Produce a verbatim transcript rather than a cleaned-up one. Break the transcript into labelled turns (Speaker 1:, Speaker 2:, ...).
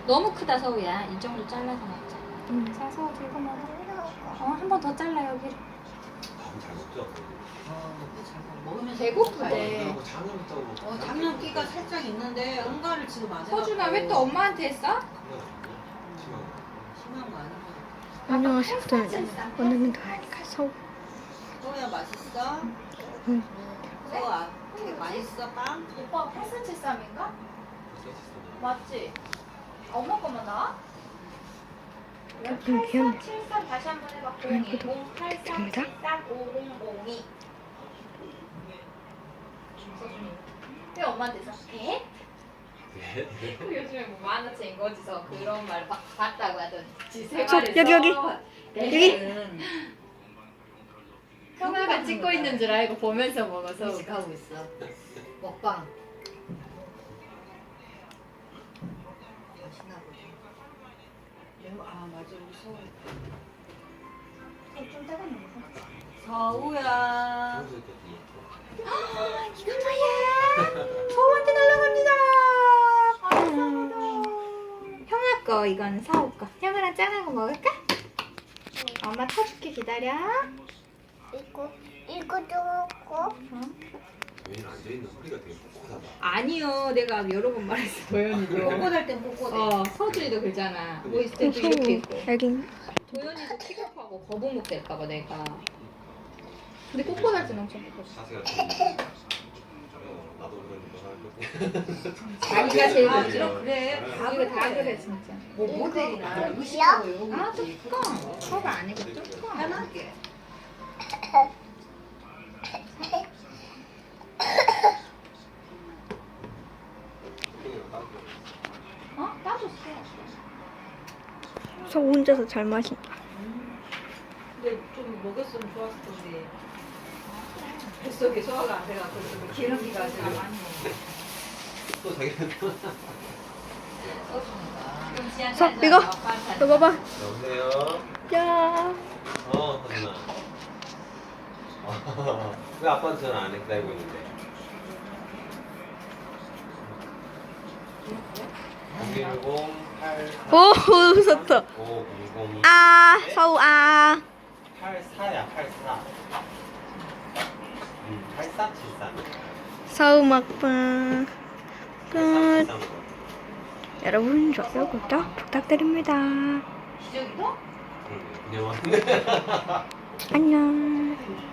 Speaker 1: 너무 크다 서우야. 이 정도 잘라서 먹자.
Speaker 2: 응.
Speaker 1: 자 서우 들고 먹어. 어, 한 번 더 잘라 여기를.
Speaker 3: 잘 먹죠.
Speaker 4: 먹으면
Speaker 1: 배고프대.
Speaker 3: 작년부터
Speaker 4: 어, 작년 끼가 살짝 있는데 응가를 지금 안 해.
Speaker 1: 서준아 왜 또 엄마한테 했어?
Speaker 4: 심한 거 아니야?
Speaker 2: 안녕하세요. 오늘은 더하니까 서우.
Speaker 4: 소야 맛있어?
Speaker 2: 응.
Speaker 4: 소아 되게 맛있어 빵?
Speaker 1: 오빠 팔 센티미터 쌈인가? 맞지? 엄마 것만 나와?
Speaker 2: 조금 귀엽네.
Speaker 1: 팔사칠삼 다시 한 번 해봐.
Speaker 2: 됩니다.
Speaker 1: 공이공팔사칠삼 오공공이. 왜 엄마한테 써? 에? 요즘에 뭐 만화책 거지서 그런 말 봐- 봤다고 하던지 세
Speaker 2: 저,
Speaker 1: 마리
Speaker 2: 여기, 여기.
Speaker 1: 써.
Speaker 2: 여기.
Speaker 1: 형아가 찍고 있는 줄 알고 보면서 먹어서
Speaker 4: 하고 있어. 먹방. 맛있나 보다. 매워- 아 맞아 우리 서우.
Speaker 1: 좀 따가운
Speaker 4: 서우야.
Speaker 1: 이거 뭐야? 서우한테 날라갑니다. 형아 거 이건 서우 거. 형아랑 짠한 거 먹을까? 엄마 타줄게 기다려.
Speaker 5: 이거 이거도 먹고
Speaker 3: 왜냐면 앉아있는 허리가 되게 꼿꼿하다.
Speaker 1: 아니요, 내가 여러 번 말했어 도현이도.
Speaker 4: 꼿꼿할 땐 꼿꼿해.
Speaker 1: 어, 서준이도 그러잖아. 뭐 있을 때도
Speaker 2: 서우.
Speaker 1: 이렇게 있고.
Speaker 2: 알긴.
Speaker 1: 도현이도 킥업하고 거북목 될까봐 내가. 근데 꼿꼿할 때는 엄청 꼿꼿해.
Speaker 3: 자세가 좀. 어, 나도 그런 거
Speaker 1: 자기가 제일
Speaker 4: 아,
Speaker 1: 먼저.
Speaker 4: 이런 그래. 다
Speaker 1: 이거 다
Speaker 4: 그래.
Speaker 1: 그래 진짜.
Speaker 4: 뭐 모델이나
Speaker 5: 이거
Speaker 4: 의식하고 이런 거
Speaker 1: 아
Speaker 4: 있지.
Speaker 1: 뚜껑. 컵 아니고 뚜껑.
Speaker 4: 편하게.
Speaker 1: 어? 따줬어.
Speaker 2: 서우 혼자서 잘 마신다.
Speaker 4: 근데 좀 먹였으면 좋았을 텐데. 뱃속에 소화가 안 돼갖고 좀 기름기가 되게 많이
Speaker 3: 또 자기는
Speaker 4: 써주니까.
Speaker 2: 서, 이거. 이거 봐봐.
Speaker 3: 여보세요?
Speaker 2: 야.
Speaker 3: 어, 서준아. 왜 아빠한테 전화 안 해? 기다리고 있는데. 공일공 팔
Speaker 2: 오, 웃었다.
Speaker 3: 오공공
Speaker 2: 아, 서우 아.
Speaker 3: 팔사야 팔사. 음, 팔사칠삼.
Speaker 2: 서우 먹방 끝.
Speaker 3: 팔사칠삼.
Speaker 2: 여러분 좋아요 구독 부탁드립니다.
Speaker 4: 기저귀도?
Speaker 3: 그냥 왔네.
Speaker 2: 안녕.